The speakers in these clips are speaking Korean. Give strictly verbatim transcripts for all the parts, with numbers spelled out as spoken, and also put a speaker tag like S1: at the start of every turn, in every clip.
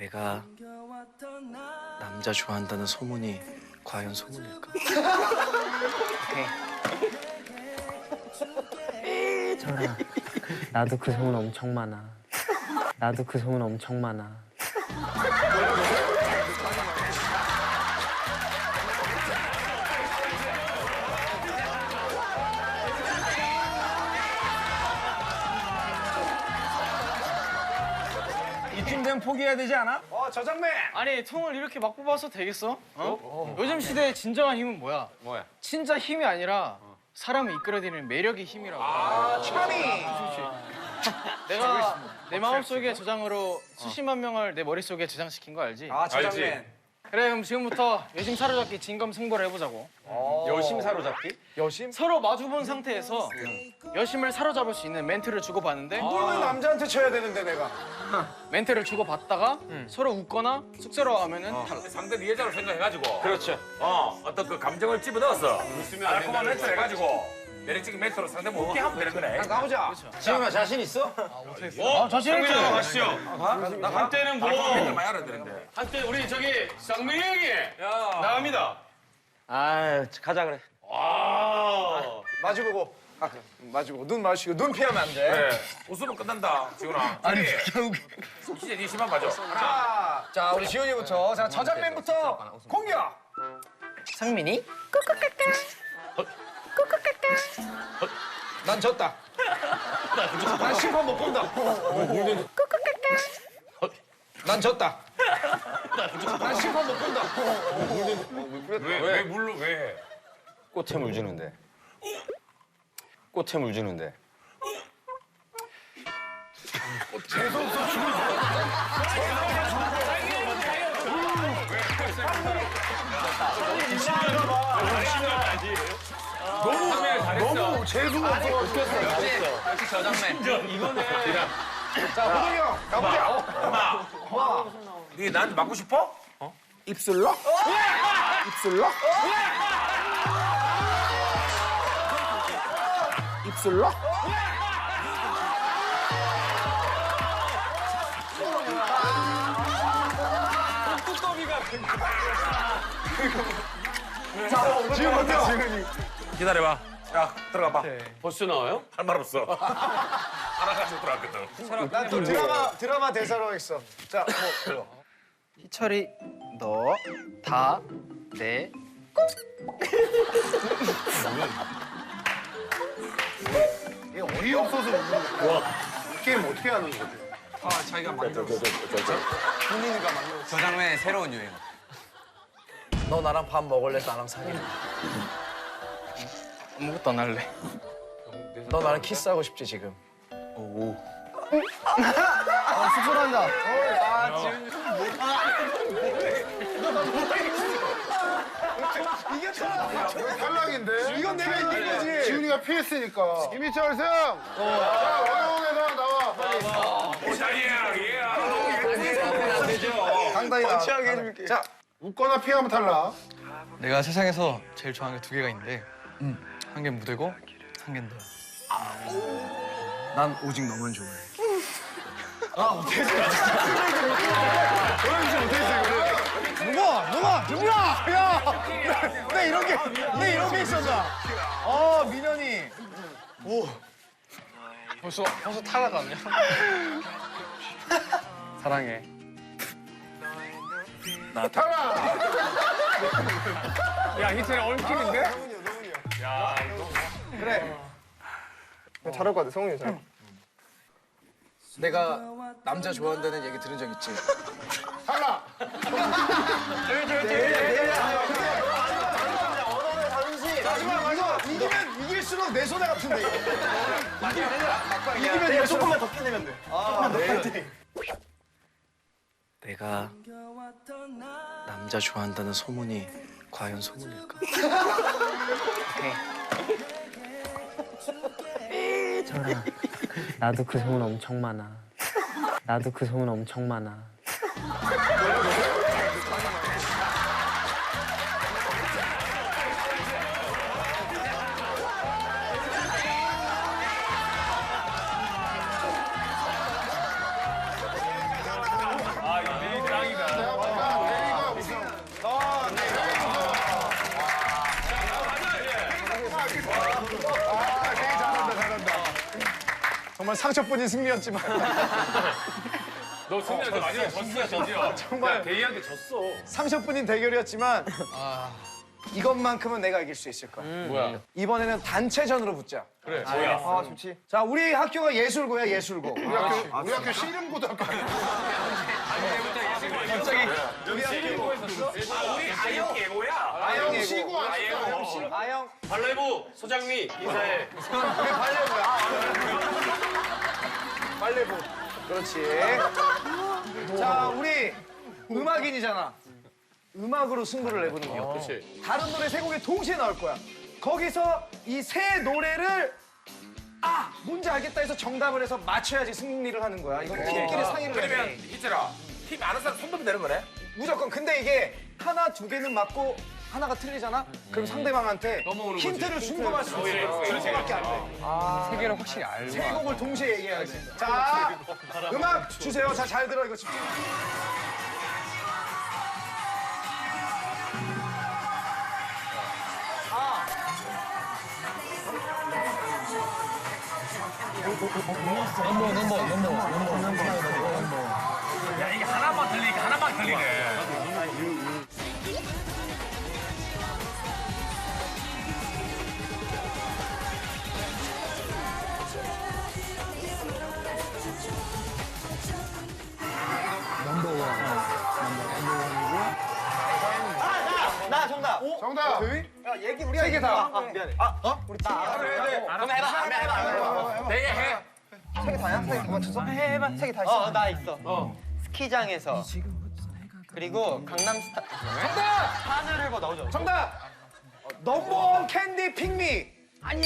S1: 내가 남자 좋아한다는 소문이 과연 소문일까?
S2: 철아, 나도 그 소문 엄청 많아. 나도 그 소문 엄청 많아.
S3: 이쯤 되면 포기해야 되지 않아?
S4: 어, 저장맨!
S5: 아니 통을 이렇게 막 뽑아서 되겠어? 어? 요즘 시대의 진정한 힘은 뭐야?
S3: 뭐야?
S5: 진짜 힘이 아니라 사람을 이끌어내는 매력의 힘이라고.
S4: 아, 참이!
S5: 내가 내 마음속의 저장으로 수십만 명을 내 머릿속에 저장시킨 거 알지?
S4: 아, 저장맨.
S5: 그래 그럼 지금부터 여심 사로잡기 진검승부를 해보자고.
S3: 여심 사로잡기?
S4: 여심?
S5: 서로 마주본 상태에서 여심을 사로잡을 수 있는 멘트를 주고받는데
S4: 이걸 왜 남자한테 쳐야 되는데, 내가?
S5: 멘트를 주고받다가 서로 웃거나 쑥스러워하면은 탈락.
S6: 상대 네 여자로 생각해가지고
S3: 그렇죠.
S6: 어 어떤 그 감정을 집어넣어서 달콤한 멘트를 해가지고 매력적인 멘트로 상대 못 웃게 하면 되는 거네.
S4: 가보자.
S3: 지금아 자신 있어?
S6: 어?
S5: 자신 있지?
S6: 가시죠.
S5: 나 한때는 뭐
S6: 멘트 많이 알아야 되는데.
S5: 한때 우리 저기 쌍민이 형이 나갑니다.
S3: 아 가자 그래.
S6: 와.
S4: 마주보고. 아, 마주보고. 눈 마주치고. 눈 피하면 안 돼.
S6: 그래. 웃으면 끝난다, 지훈아. 아니, 진짜 네 심한 맞아. 하나.
S4: 자, 자, 우리 지훈이부터. 자, 저장맨부터 공격!
S5: 상민이?
S4: 난 졌다. 난 심판 못 본다. 난 졌다. 난 심판 못 본다.
S6: 왜, 왜 물로 왜 해?
S3: 꽃에 물 주는데. 꽃에 물 주는데.
S4: 너무 재수가 없어.
S5: 역시 저장맨.
S6: 이거네.
S4: 자, 호동이 형, 가보자.
S6: 엄마. 네 나한테 맞고 싶어?
S4: 입술로? 입술로? 입술로? 자, 지훈이요. 지훈이.
S6: 기다려봐. 야, 들어가봐.
S5: 벌써 나와요?
S6: 할 말 없어. 하나 가지고 들어갔거든.
S4: 난 또 드라마, 드라마 대사로 하겠어. 자, 뭐, 불러.
S5: 희철이 너 다 내
S4: 이게 어이없어서 웃는 거야. 게임 어떻게 하는 거지?
S5: 아, 자기가 만들었어.
S4: 본인이가 만들었어.
S5: 저장맨의 새로운 유행.
S4: 너 나랑 밥 먹을래? 나랑 사귈래?
S5: 아무것도 안 할래.
S4: 너 나랑 키스하고 싶지, 지금?
S5: 쑥스러운다.
S4: 이겼잖아. 탈락인데? 이건 내가 이긴 거지. 지훈이가 피했으니까. 김희철 승! 자, 원호에서 나와, 빨리.
S6: 오자리야, 예.
S4: 상당히 나. 취하게 해줄게. 자, 웃거나 피하면 탈락.
S5: 내가 세상에서 제일 좋아하는 게 두 개가 있는데 한 개 무대고 한 개는 너야.
S4: 난 오직 너만 좋아해. 누가? 누가? 누구야? 야! 내, 내 이런 게, 내 이런 게 있었나? 어, 민현이.
S5: 벌써 벌써 탈락 아니야? 사랑해.
S4: 탈락!
S3: 야 희철이 얽히는데?
S4: 그래. 잘할 것 같아, 성훈이 잘. 내가 남자 좋아한다는 얘기 들은 적 있지? 탈락! 마지막, 이거 이기면 이길수록 내 손해 같은데, 이거. 이기면 내가 조금만 더 피내면 돼. 아, 네.
S1: 내가 남자 좋아한다는 소문이 과연 소문일까?
S2: 철아, 나도 그 소문 엄청 많아. 나도 그 소문 엄청 많아.
S6: 아, 이거
S7: 정말 상처뿐인 승리였지만
S6: 너 승리한테 마지막에 졌어, 진짜.
S7: 정말.
S6: 야, 대희한테 졌어.
S7: 상처뿐인 대결이었지만 이것만큼은 내가 이길 수 있을 거야.
S6: 뭐야?
S7: 이번에는 단체전으로 붙자.
S6: 그래, 뭐야?
S7: 아 좋지. 자 우리 학교가 예술고야 예술고.
S4: 우리 학교 우리 학교 씨름고등학교 아니야?
S7: 갑자기
S6: 우리 아영 예고야.
S4: 아영 씨고 아니야?
S6: 아영 씨.
S7: 아영
S6: 발레부 소장미 인사해.
S7: 그게 발레보야. 발레보. 그렇지. 자 우리 음악인이잖아. 음악으로 승부를 내보는 거야.
S6: 그렇지.
S7: 다른 노래 세 곡이 동시에 나올 거야. 거기서 이 세 노래를 아 뭔지 알겠다 해서 정답을 해서 맞춰야지 승리를 하는 거야. 이건 팀끼리 상의를
S6: 그러면
S7: 해.
S6: 있잖아. 팀 아는 사람 손 들면 되는 거네?
S7: 무조건. 근데 이게 하나 두 개는 맞고 하나가 틀리잖아. 그럼 상대방한테
S6: 넘어오는 거지.
S7: 힌트를 준거만 쓰고
S6: 예,
S7: 있어.
S6: 그렇지.
S7: 준거밖에 안 돼.
S5: 세 개를 확실히 알고.
S7: 세 곡을 동시에 얘기해야지. 자 음악 주세요. 자 잘 들어 이거 집중.
S6: 야, 이게 하나만 들리니까 하나만 들리네.
S2: 나 정답.
S4: 정답.
S7: 야 얘기 우리가 세개 다. 아, 미안해. 아 어? 우리 팀.
S6: 그럼 해봐, 해봐, 해봐. 대희 해.
S7: 세개 다야? 세개 다 맞췄어?
S2: 해봐. 세 개 다 있어. 어, 나 있어. 스키장에서. 그리고 강남스타.
S7: 정답.
S2: 하늘을 봐 나오죠.
S7: 정답. 넘버원 캔디 핑미.
S6: 한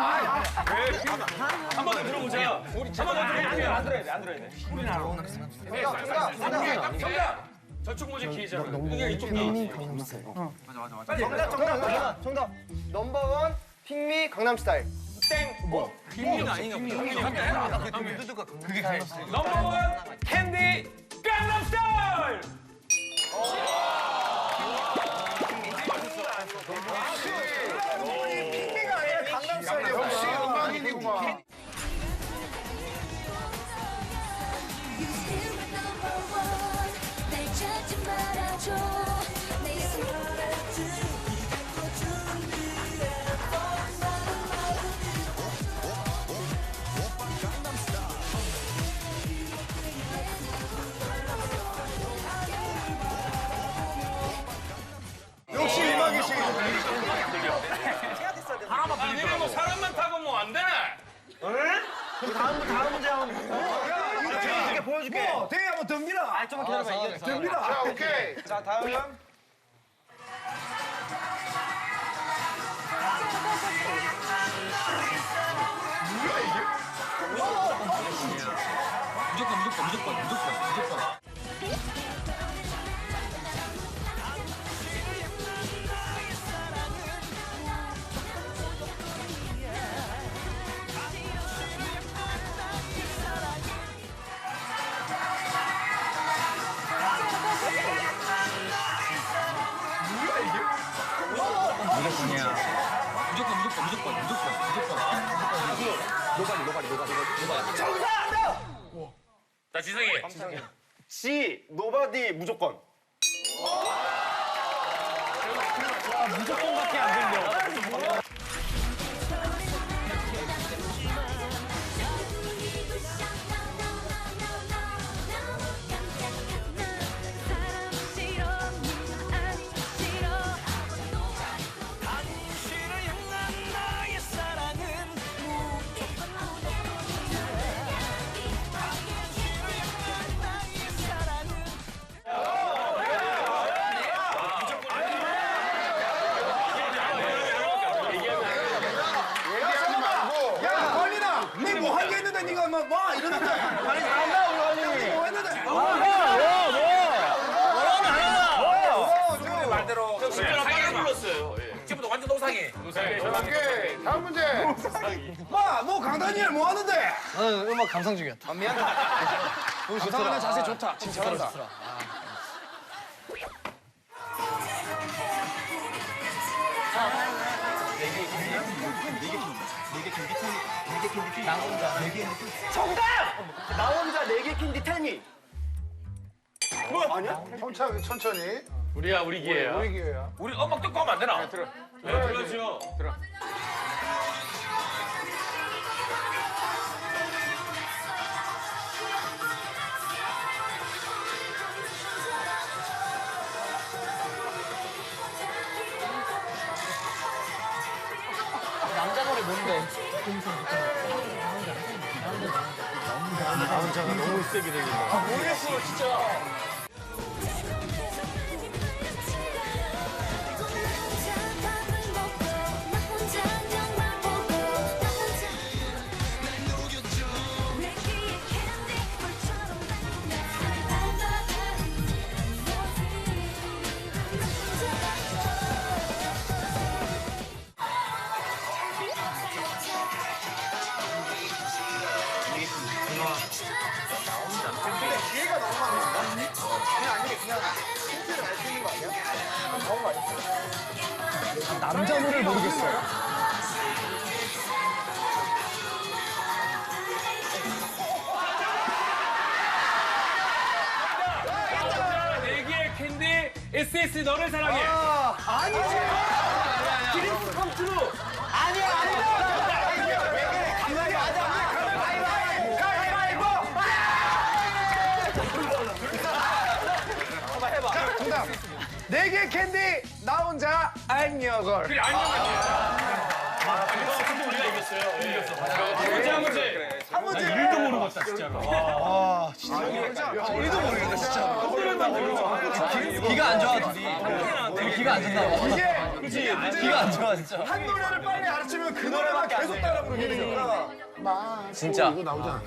S6: 번 더 들어보자. 우리 한번 더 들어보자. 안 들어야 돼, 안 들어야 돼.
S7: 정답. 정답. 정답.
S6: 정답. 저쪽 모자 기회잖아. 이게 이쪽 기
S7: 정답. 정답. 정답. 넘버원 핑미 강남스타일.
S6: 넘버원 캔디 강남스타일.
S7: 핑미가 아니라 강남스타일.
S4: 역시 음악인이구만.
S8: You still my number one. 날 찾지 말아줘. 내 손을 들고 준비해.
S7: 역시 음악이시.
S6: 하나만 아, 니네 뭐 사람만 타고 뭐 안 되네.
S2: 다음 다음 문제 한번. 보여줄게 보여줄게.
S7: 뭐 대회 한번 덤비라.
S2: 아 좀만 기다려봐 이게.
S7: 덤비라.
S4: 자 오케이.
S7: 자 다음은
S5: 무조건 무조건 무조건 무조건 무조건. 무조건이야. 무조건 무조건 무조건 무조건 무조건. 노가리 노가리 노가리 노가리.
S6: 자, 지성이.
S2: 지 노바디 무조건. 무조건밖에 안 들려.
S4: 얘기하지 말고.
S7: 야 걸리나. 네 뭐 한 게 있는데 네가 막와 이러는데. 아니 잘한다 우리 걸리. 뭐 했는데.
S6: 말대로. 실제로 상해 불렀어요. 지금부터 완전 노상해.
S4: 오케이. 다음 문제.
S7: 마너 강다니엘 뭐 하는데?
S5: 나는 음악 감상 중이었다.
S7: 감상하는 자세 좋다. 진짜 잘한다.
S4: 천천히 천천히.
S6: 우리야 우리 기회야.
S4: 우리 기회야.
S6: 우리 음악 듣고 하면 안 되나? 네, 들어. 네, 들어주요. 들어.
S2: 남자 노래 뭔데?
S7: 모르겠어 진짜.
S8: 밥을 먹고 나 혼자 안경만 보고 나 혼자 내 귀에 캔디 불처럼
S4: 기회가 너무 많아. 그냥 아니게 그냥 힌트를 알 수 있는 거 아니야? 너무 많이.
S7: 남자 노래를 모르겠어요.
S6: 네 개의 캔디 에스에스 너를 사랑해.
S7: 아니지. 드림스 컴트루. 아니야 아니야. 가만히 맞아. 가위바위보. 가위바위보. 한번 해봐. 자, 정답. 네 개 캔디 나 혼자 안녕걸.
S6: 그래 안녕하세요. 근데 우리가 이겼어요. 이겼어. 한 문제 한 문제.
S7: 한 문제.
S6: 일도 모르겠다 진짜로.
S7: 아, 진짜. 우리도 모르겠다 진짜.
S5: 기가 안 좋아 둘이. 둘이 기가 안 좋나 봐.
S7: 이게
S5: 그치? 기가 안 좋아 진짜.
S7: 한 노래를 빨리 알아채면 그 노래만 계속 따라 부르게 되니까.
S5: 진짜.
S4: 이거 나오잖아.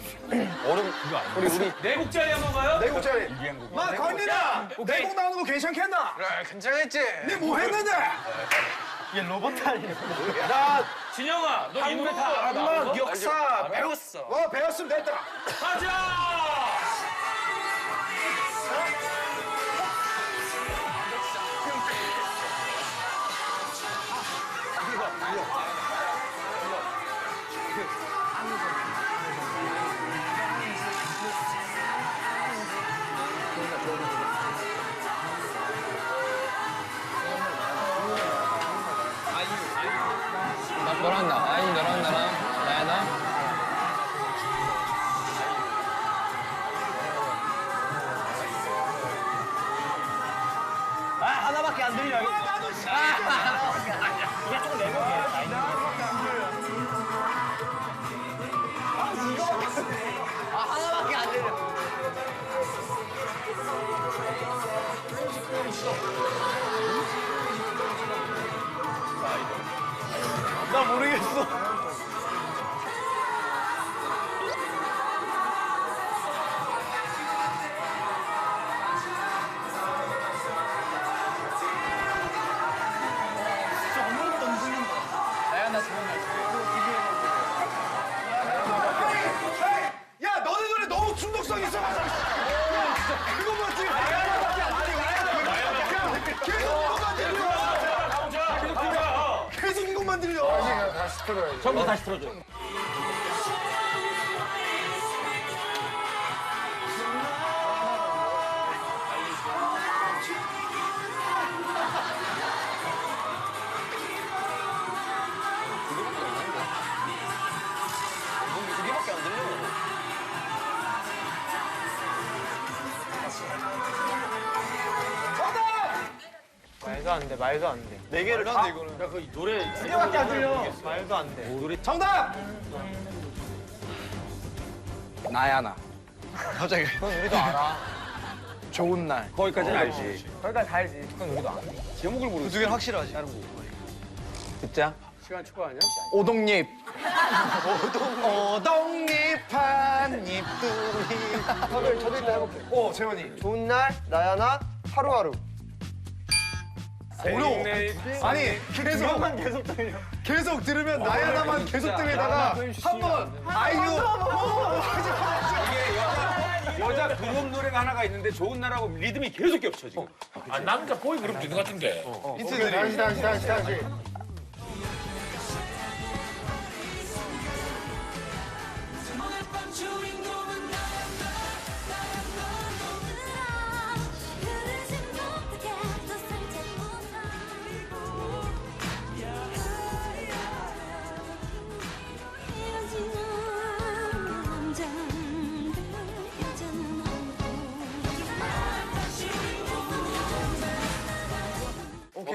S6: 네 곡짜리 한번 가요?
S7: 네 곡짜리. 마 건이나 네 곡 나오는 거 괜찮겠나?
S5: 그래 괜찮겠지.
S7: 네 뭐 했는데?
S5: 얘 로봇 아니야.
S7: 나
S6: 진영아, 너 이 노래 다 알아? 나
S7: 한국 역사 배웠어. 어 배웠으면 됐다.
S6: 가자!
S5: 너랑 나, 아니 너랑 나랑 나야 나. 아 하나밖에 안 들려.
S7: 나 모르겠어.
S5: 나야 나 좋은 날.
S7: 야 너네 노래 너무 중독성 있어가지고. 그거만 지금 계속 이것만 들려. 계속 이것만 들려.
S4: 다시 다시 틀어야지.
S3: 처음부터 다시 틀어줘.
S2: 말도 안 돼, 말도 안 돼.
S7: 네 개를 다.
S3: 야그 노래
S7: 두 개밖에 안 들려.
S2: 말도 안 돼.
S7: 정답.
S1: 나야 나.
S2: 갑자기. 그건 우리도 알아.
S1: 좋은 날.
S3: 거기까지는 알지.
S2: 거기까지 다 알지. 그건 우리도 알아.
S3: 제목을 모르.
S5: 두 개는 확실하지.
S1: 듣자.
S3: 시간 축구 아니야?
S1: 오동잎.
S7: 오동잎 한 잎두잎. 저도 저도 이따 해볼게. 오 재원이.
S2: 좋은 날, 나야 나, 하루하루.
S7: 어려워. 아니 계속 계속 들려. 계속 들으면 나야 나만 계속 들리다가 한번 아이유 하지 마.
S3: 여자 그룹 노래가 하나가 있는데 좋은 날하고 리듬이 계속 겹쳐 지금.
S6: 아, 남자 보이 그룹 있는 것 같은데.
S4: 오케이, 다시 다시 다시 다시.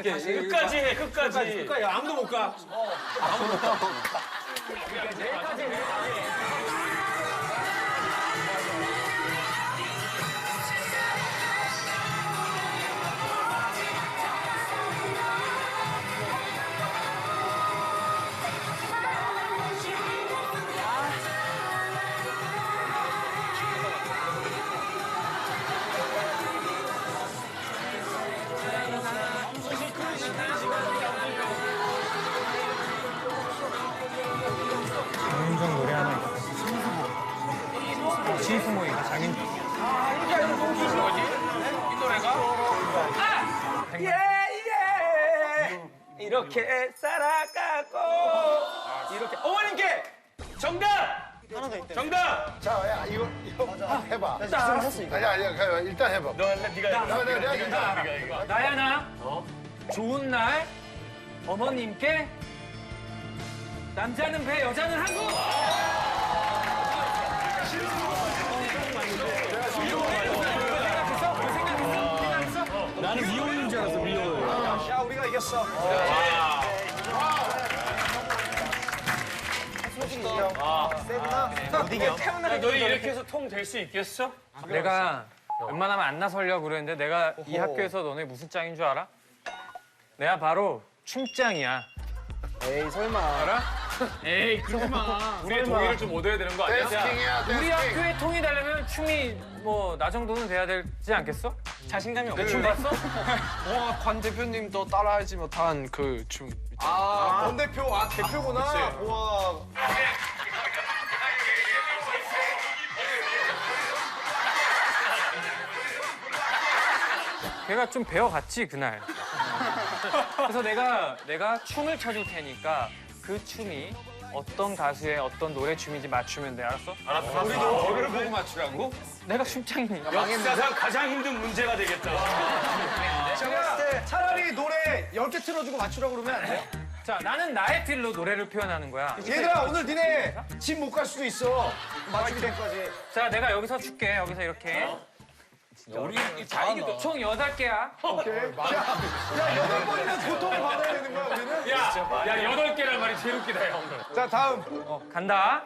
S3: 끝까지 해, 끝까지.
S6: 끝까지 아무도 못 가.
S5: 장윤정 노래 하나 있어. 시스모이가 장윤정.
S6: 이 노래가?
S3: 예, 예. 이렇게 살아가고. 이렇게. 어머님께 정답!
S4: 하나 더 있대.
S3: 정답!
S9: 자, 야, 이거, 이거 해봐.
S4: 나 했어 이거.
S9: 아니, 아니, 아니, 일단 해봐.
S3: 너 할래? 네가 해.
S9: 내가, 내가, 내가, 내가.
S3: 나야나. 좋은 날 어머님께 남자는 배, 여자는 항구.
S5: 나는 미혼인 줄 알았어, 미혼.
S7: 야, 우리가 이겼어.
S4: 솔직히 인정. 세구나.
S3: 야, 너희 이렇게 해서 통 될 수 있겠어?
S5: 내가 웬만하면 안 나서려고 그랬는데 내가 이 학교에서 너네 무슨 짱인 줄 알아? 내가 바로 춤짱이야.
S4: 에이 설마.
S5: 알아?
S3: 에이, 그러지 마. 우리의 동의를 좀 얻어야 되는 거 아니야?
S9: 댄스킹이야,
S5: 우리
S9: 댄스킹.
S5: 학교에 통이 되려면 춤이 뭐 나 정도는 돼야 되지 않겠어? 자신감이 없어. 춤 봤어?
S10: 와, 관 대표님도 따라하지 못한 그 춤.
S7: 아, 권 대표, 아, 대표구나. 우와.
S5: 걔가 좀 배워갔지 그날. 그래서 내가 내가 춤을 춰줄 테니까 그 춤이 어떤 가수의 어떤 노래 춤인지 맞추면 돼. 알았어?
S3: 알았어. 우리도 너를 보고 맞추라고?
S5: 내가 춤짱이니까.
S3: 역사상 가장 힘든 문제가 되겠다.
S7: 제가 차라리 노래 열 개 틀어주고 맞추라고 그러면 안 돼요?
S5: 자, 나는 나의 틀로 노래를 표현하는 거야.
S7: 얘들아, 오늘 니네 집 못 갈 수도 있어. 맞추기 전까지.
S5: 자, 내가 여기서 줄게. 여기서 이렇게.
S3: 우리 자이기도
S5: 총 여덟 개야.
S7: 오케이. 야, 야, 여덟 번이면 고통을 받아야 되는 거야, 우리는?
S3: 야, 야, 여덟 개란 말이 제일 웃기다, 형.
S7: 자, 다음.
S5: 간다.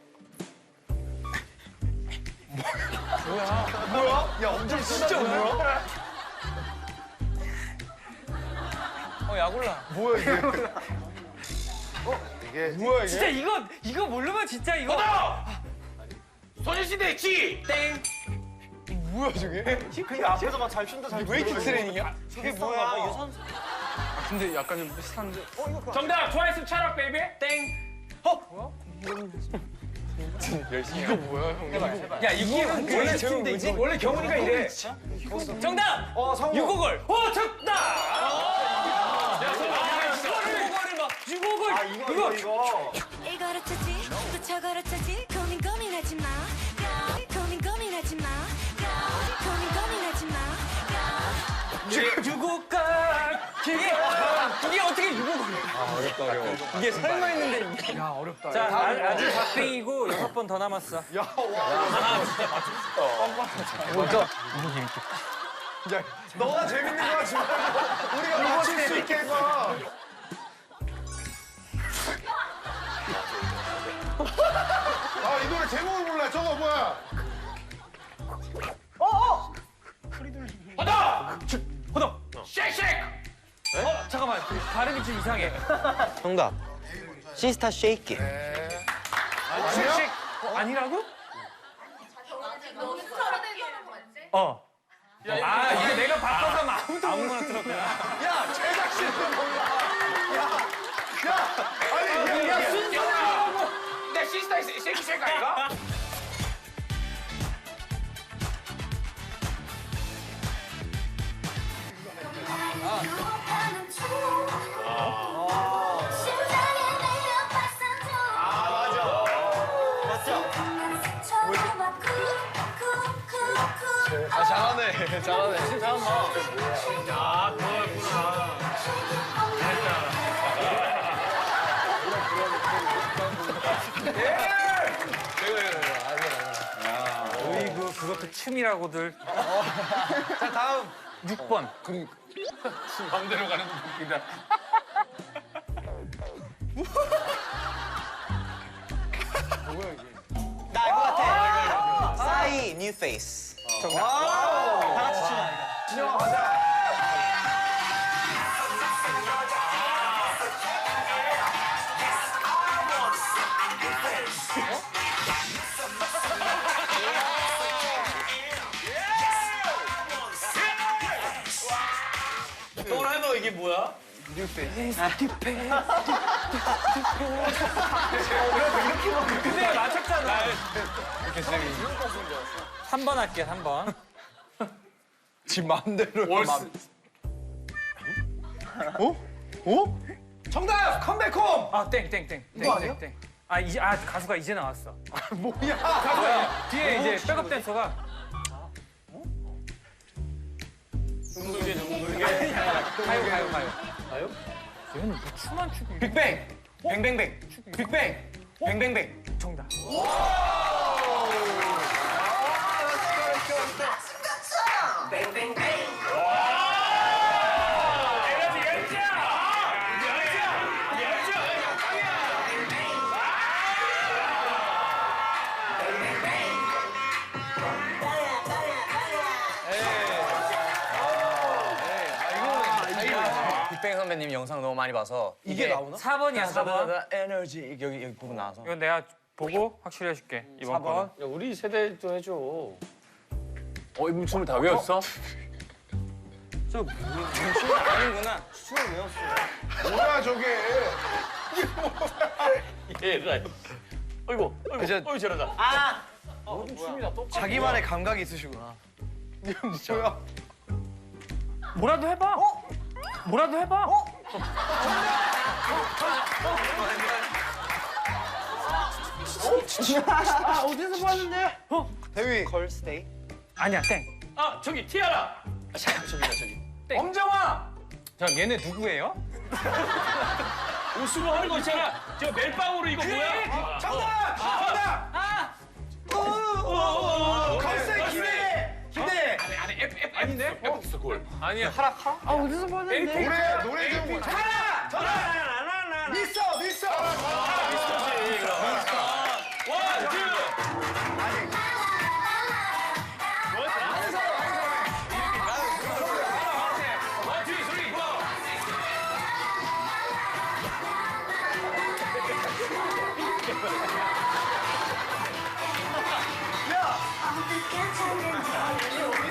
S7: 뭐야? 야, 엄청 진짜 뭐야?
S5: 어, 야골라.
S7: 뭐야, 이게?
S9: 이게
S7: 뭐야, 이게?
S5: 진짜 이거 이거 모르면 진짜 이거.
S3: 소녀시대 지!
S5: 땡.
S7: 뭐야, 저게?
S4: 그 앞에서 막 잘 춘다 잘.
S7: 웨이팅 트레이닝이야?
S4: 저게 뭐야? 유산소.
S10: 근데 약간 좀 비슷한데.
S3: 정답! 트와이스 차락 베이비?
S5: 땡.
S10: 이거 뭐야, 형?
S5: 야, 이게
S7: 원래 제목 뭐지?
S3: 원래 경훈이가 이래.
S5: 정답.
S7: 어, 성우.
S5: 유곡을. 어, 정답. 야, 이거를 이거를 막 유곡을.
S7: 아, 이거, 이거, 이거.
S8: 이거를 찾지 또 저거를 찾지 고민 고민하지 마 야, 고민 고민하지 마 야, 고민 고민하지 마 야.
S5: 유곡가. 이게 이게 어떻게 유곡을? 아, 어렵다 어려워. 이게 설마 했는데 이게.
S7: 야, 어렵다.
S5: 자, 아, 아직 박빙이고 여섯 번 더 남았어.
S7: 야, 와. 야, 너가 재밌는 거 하지 말고 우리가 맞출 수 있게 해봐.
S9: 아, 이 노래 제목을 몰라. 저거 뭐야?
S3: 허덕!
S5: 호동.
S3: 쉐이쉐이크!
S5: 어, 잠깐만. 발음이 좀 이상해.
S4: 정답. 시스타 쉐이키.
S5: 쉑쉑. 어, 아니라고? 어. 아, 이거 내가 바꿔서 하면 아무도 아무거나 들었구나.
S7: 야, 제작진은 몰라. 야, 야, 아니, 야, 야, 순서라고.
S3: 내 시스타의 쉐이크 쉐이크 아이가?
S8: 유혹하는 춤 심장에 내려 발산중 아 맞아 맞죠 스쳐도 막 쿵쿵쿵쿵
S10: 아, 잘하네, 잘하네.
S3: 아, 그거였구나.
S5: 어이구, 그것도 춤이라고들.
S7: 자, 다음.
S5: 육 번.
S6: 마음대로 가는 거 웃긴다.
S4: 나 알 것 같아. 싸이 뉴 페이스. 다 같이 추나 이거.
S7: 진영아 가자.
S6: 또라이너 이게 뭐야?
S5: 근데 맞췄잖아. 삼 번 할게, 삼 번.
S1: 지 마음대로.
S6: 월스.
S7: 정답 컴백홈.
S5: 아, 땡, 땡, 땡.
S7: 이거 아니야?
S5: 땡, 땡. 아, 이제, 아, 가수가 이제 나왔어.
S7: 뭐야?
S5: 뭐야? 뒤에 이제 백업 댄서가. 가요, 가요, 가요. 가요? 얘는 뭐 춤만 추고.
S4: 빅뱅. 뱅뱅뱅. 빅뱅. 뱅뱅뱅.
S5: 정답.
S6: 에너지 열정! 열정! 열정!
S4: 빅뱅 선배님 영상 너무 많이 봐서
S7: 이게 나오나?
S5: 사 번이야, 사 번.
S4: 에너지 여기 여기 부분 나와서.
S5: 이건 내가 보고 확실히 해줄게. 이번 번.
S6: 야, 우리 세대도 해줘. 어, 이분 춤을 다 외웠어?
S4: 아니구나. 춤을 외웠어.
S9: 뭐야 저게?
S6: 얘가. 어이구, 어이구,
S1: 이제-
S6: 어이 저러다.
S4: 아.
S6: 모든 춤이 다 똑같아.
S1: 자기만의 감각이 있으시구나.
S5: 뭐라도 해봐. 뭐라도 해봐.
S7: 아 어디서 봤는데?
S1: 대위.
S7: 걸스데이.
S5: 아니야, 땡.
S6: 아, 저기 티아라. 아, 잠깐 저기다 저기.
S5: 엄정화. 자, 얘네 누구예요?
S6: 옷으로 하는 거 있잖아. 저 멜빵으로 이거 뭐야?
S7: 정답. 정답.
S5: 아,
S7: 걸스데이 기대. 기대.
S6: 안에 안에 F F 아닌데? F 있어 그걸.
S5: 아니야. 하라카? 아, 어디서 봤는데?
S9: 노래 노래 좀.
S7: 하나. 전화. 미스터 미스터.
S6: 원, 투. 원, 투, 쓰리, 포.
S8: 야!